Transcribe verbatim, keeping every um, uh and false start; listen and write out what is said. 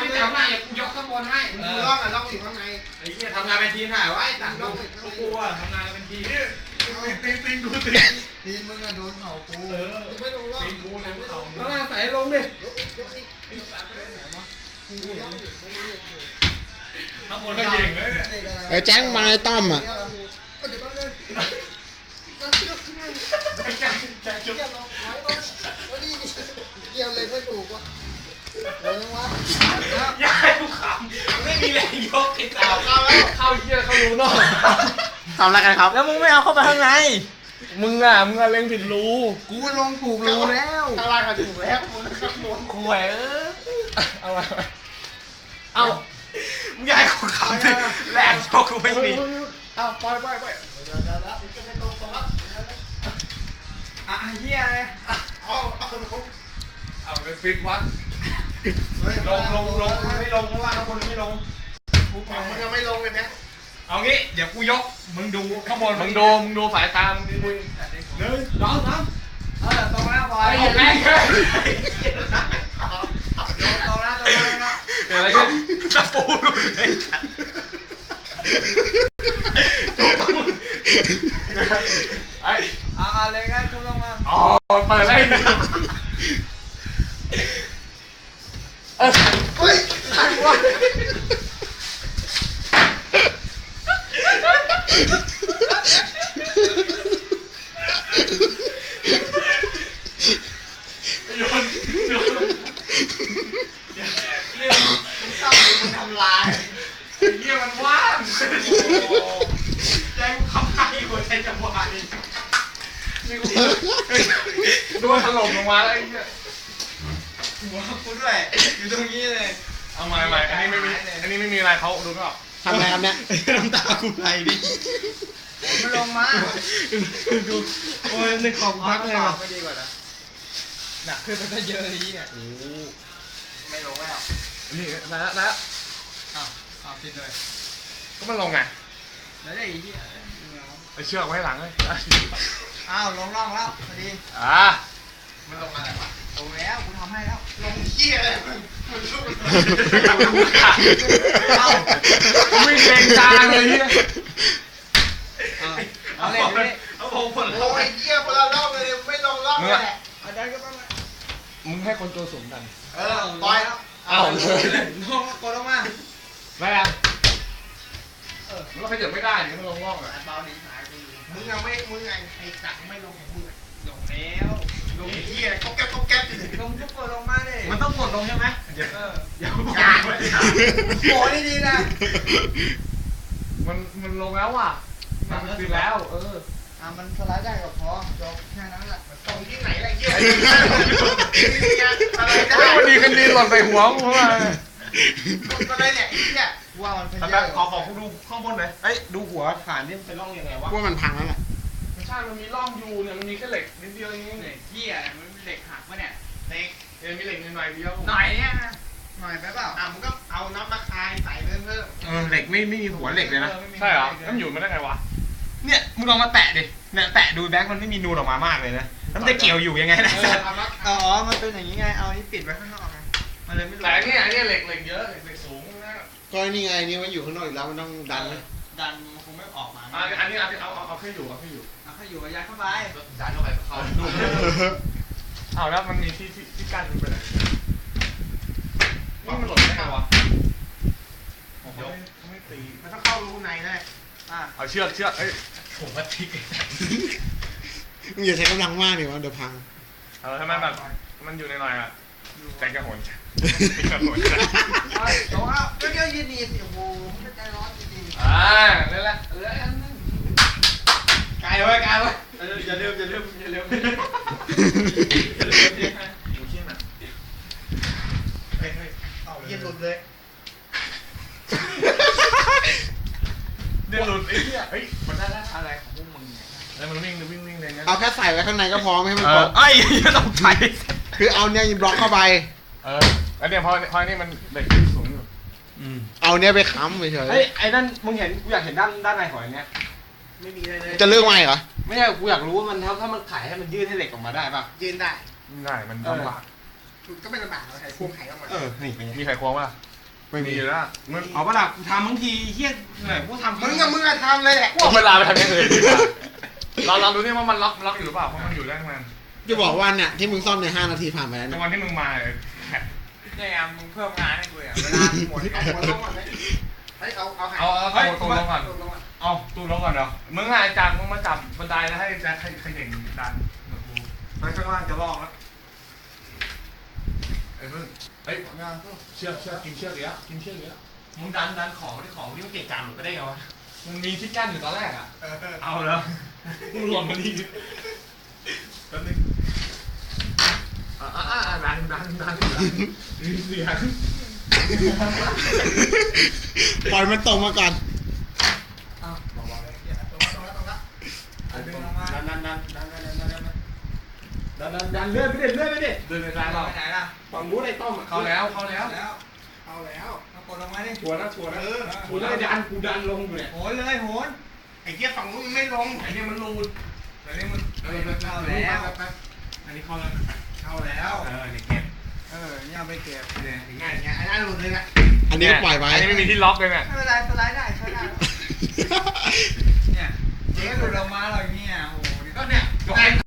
ที่แถวหน้าอย่ากูยกข้างบนให้มึงล่องอ่ะล่องอยู่ข้างในไอ้เหี้ยทำงานเป็นทีมถ่ายไว้ต่างล่องกูกลัวทำงานเป็นทีมติงติงดูติงทีมมึงอะโดนเข่ากูเออไม่ลงล่องติงกูนะเข่าแล้วใส่ลงดิข้างบนก็ยิงเลยไอ้แจ้งมาไอ้ต้อมอ่ะเกี่ยวเลยไม่ถูกวะเดี๋ยวนะวะยายกูขำไม่มีแรงยกไอ้สาวเข้าแล้วเข้าเยี่ยเข้ารูนอกทำอะไรกันครับแล้วมึงไม่เอาเข้าไปข้างในมึงอ่ะมึงอะเล็งผิดรูกูลงถูกรูแล้วข้างล่างก็ถูกแล้วมึงข้างบนคุยเออเอาไปเอามึงยายกูขำเลยแรงยกกูไม่มีเอาไปไปไปอ่ะเฮียเลยเอาเอาเอาไปฟิกวัดลงลงลงไม่ลงเพราะว่าข้างบนไม่ลงกูฟังมึงยังไม่ลงเลยนะเอางี้เดี๋ยวกูยกมึงดูข้างบนมึงดูมึงดูสายตามึงดูหนึ่งสองสามเออตรงหน้าบอยแรงเลยตรงหน้าตรงหน้านะเดี๋ยวอะไรกันตะปูเลยไอ้เอาอะไรกันคุณลงมาอ๋อเปิดเลยเฮ้ยใครวะโยนโยนเรื่องมันเข้าไปมันทำลายไอ้เหี้ยมันว่างใจกูขับไห้หัวใจจะวายนี่กูดูถล่มลงมาแล้วไอ้เหี้ยหัวกูด้วยอยู่ตรงนี้เลยเอาใหม่ใหม่อันนี้ไม่มีอันนี้ไม่มีอะไรเขาดูไม่ออกทำอะไรครับเนี่ยน้ำตากูไหลดิมันลงมาดูโอ้ยในของพักเลยว่ะไม่ดีกว่านะหนักขึ้นไปก็เยอะเลยเนี่ยโอ้ไม่ลงแล้วนี่นะนะอ้าวอ้าวติดเลยก็มันลงไงแล้วได้อีกที่ไอเชือกไว้หลังเลยอ้าวลงร่องแล้วพอดีอ่ามันลงมาไหนวะลงแล้วกูทำให้แล้วลงเหี้ยเลยมันลุกเอาวิ่งเร่งจางเลยเนี่ยเอาเลยเอาผมผลลงไอ้เหี้ยคนละร่องเลยไม่ลงร่องแหละเอาได้ก็ต้องมึงให้คนตัวสูงกันเออปล่อยแล้วเอาเลยลงกดลงมาไม่อะเออมันก็ขยับไม่ได้เนี่ยมันลงร่องอ่ะเบาหนีหายไปมึงยังไม่มึงไงไอ้สักไม่ลงของมึงลงแล้วลงเหี้ยก็แก๊บก็แก๊บลงก็กดลงมาเลยมันต้องกดลงใช่ไหมเดี๋ยวเดี๋ยวโอ้ยดีนะมันมันลงแล้วอ่ะมันติดแล้วเอออ่ะมันสไลด์ได้ก็พอจบแค่นั้นแหละตรงที่ไหนล่ะเหี้ยอะไรได้วันนี้กันดีหล่นใส่หัวมึงว่าก็ได้เนี่ยไอ้เหี้ยว่ามันเป็นแบบขอขอดูข้างบนหน่อยเอ้ยดูหัวฐานนี่มันเป็นร่องยังไงวะว่ามันพังแล้วแหละไม่ใช่มันมีร่องอยู่เนี่ยมันมีแค่เหล็กนิดเดียวเองเหล็กเหี้ยมันเหล็กหักปะเนี่ยเหล็กเออมีเหล็กหน่อยเดียวหน่อยเนี่ยหน่อยไปเปล่าอ่ะมึงก็เอาน้ำมะคายใส่เพิ่มเพิ่มเออเหล็กไม่ไม่มีหัวเหล็กเลยนะใช่เหรอแล้วมันอยู่มาได้ไงวะเนี่ยมึงลองมาแตะดิเนี่ยแตะดูแบงค์มันไม่มีนูนออกมามากเลยนะแล้วมันจะเกี่ยวอยู่ยังไงนะอ๋อมันเป็นอย่างนี้ไงเอานี้ปิดไว้ข้างนอกไงมันเลยไม่แต่เนี่ยเนี่ยเหล็กเหล็กเยอะเหล็กสูงนะก็นี่ไงนี่มันอยู่ข้างนอกอีกแล้วมันต้องดันเลยดันมันคงไม่ออกมาอันนี้เอาเอาเอาแค่อยู่เอาแค่อยู่เอาแค่อยู่ยัดเข้าไปยัดเข้าไปเขาเอาแล้วมันมีที่ที่ที่กั้นมันไปไหนนี่มันหล่นได้ไงวะเดี๋ยวไม่ตีมันต้องเข้ารูในแน่อ่ะเอาเชือกเชือกเอ้ยผมว่าทิกมึงอย่าใช้กำลังมากดิวะเดี๋ยวพังเออทำไมแบบมันอยู่ในหน่อยอ่ะแต่กระโหนแต่กระโหนแต่ว่าก็เยอะยืนดีสิโอ้โหไม่ใจร้อนจริงอ่านั่นแหละเออไกลไว้ไกลไว้อย่าเร็วอย่าเร็วอย่าเร็วดูเชี่ยน่ะเฮ้ยเฮ้ยเอาเย็นหลุดเลยเดี๋ยวหลุดไอ้เหี้ยเฮ้ยมันได้แล้วอะไรของพวกมึงแล้วมันวิ่งวิ่งวิ่งเลยนะเอาแค่ใส่ไว้ข้างในก็พอไม่ให้มันตกไอ้ยังต้องใส่คือเอาเนี่ยบล็อกเข้าไปเออแล้วเนี่ยพอพอนี่มันเหล็กที่สูงอยู่เอาเนี่ยไปค้ำเฉยเฮ้ยไอ้นั่นมึงเห็นกูอยากเห็นด้านด้านในหอยเนี้ยไม่มีอะไรเลยจะเลือกไหมเหรอไม่ใช่กูอยากรู้ว่ามันถ้าถ้ามันขายให้มันยืดให้เหล็กออกมาได้ป่ะยืนได้ได้มันลำบากก็ไม่ลำบากเราใช้ควงไข่ออกมาเออนี่มีไข่ควงป่ะไม่มีอยู่แล้วมึงเอาปะล่ะกูทำบางทีเฮี้ยเหนื่อยกูทำมึงกับมึงอะทำเลยแหละว่าเวลาไปทำอย่างอื่นดีกว่าเราเราดูนี่ว่ามันล็อกล็อกอยู่หรือเปล่าเพราะมันอยู่แรกมันจะบอกว่าเนี่ยที่มึงซ่อมในห้านาทีผ่านไปแล้วในเนี่ยวันที่มึงมาเลยเนี่ยไงมึงเพิ่มงานให้กูอ่ะเวลาหมดเอาหัวลงก่อนไหมเฮ้ยเอาเอาเอาเอาตัวตัวลงก่อนตัวลงก่อนเอาตู้ลงก่อนเดี๋ยวมึงอ่ะจากมึงมาจับบันไดแล้วให้แจ็คให้ให้เด็กดันมากูไปข้างล่างจะลอกแล้วไอ้มึงเฮ้ยเชือกเชือกกินเชือกเดี๋ยวกินเชือกเดี๋ยวมึงดันดันของที่ของที่มันเกะกะหลุดไปได้ไงวะมันมีที่กั้นอยู่ตอนแรกอ่ะเออเอาแล้วมึงหล่นมาดีแป๊บนึงอ่าอ่าดันดันดันดันเสียงปล่อยมันตรงมาก่อนเอาบอกบอกเลยเหี้ยตรงแล้วตรงแล้วตรงแล้วเอาดึงลงมาดันดันดันดันดันดันดันดันดันดันเลื่อนไปดิเลื่อนไปดิเดินไปไปร้านเราไหนล่ะฝั่งนู้นไอ้ต้อมเข้าแล้วเข้าแล้วแล้วเอาแล้วเอากดลงมาดิชัวร์นะชัวร์นะเออกูได้ดันกูดันลงอยู่เนี่ยโหนเลยโหนไอ้เหี้ยฝั่งนู้นไม่ลงไอ้นี่มันรูดอันนี้มันเออเข้าแล้วอันนี้เข้าแล้วเข้าแล้วเออเด็กเก็บเออเนี่ยเอาไปเก็บเนี่ยง่ายง่ายอันนั้นหลุดเลยนะอันนี้ก็ปล่อยไปอันนี้ไม่มีที่ล็อกเลยเนี่ยไม่เป็นไรสไลด์ได้ใช้ได้เนี่ยเจ๊หลุดออกมาหรอกเนี่ยโอ้โหก็เนี่ยยกไอ้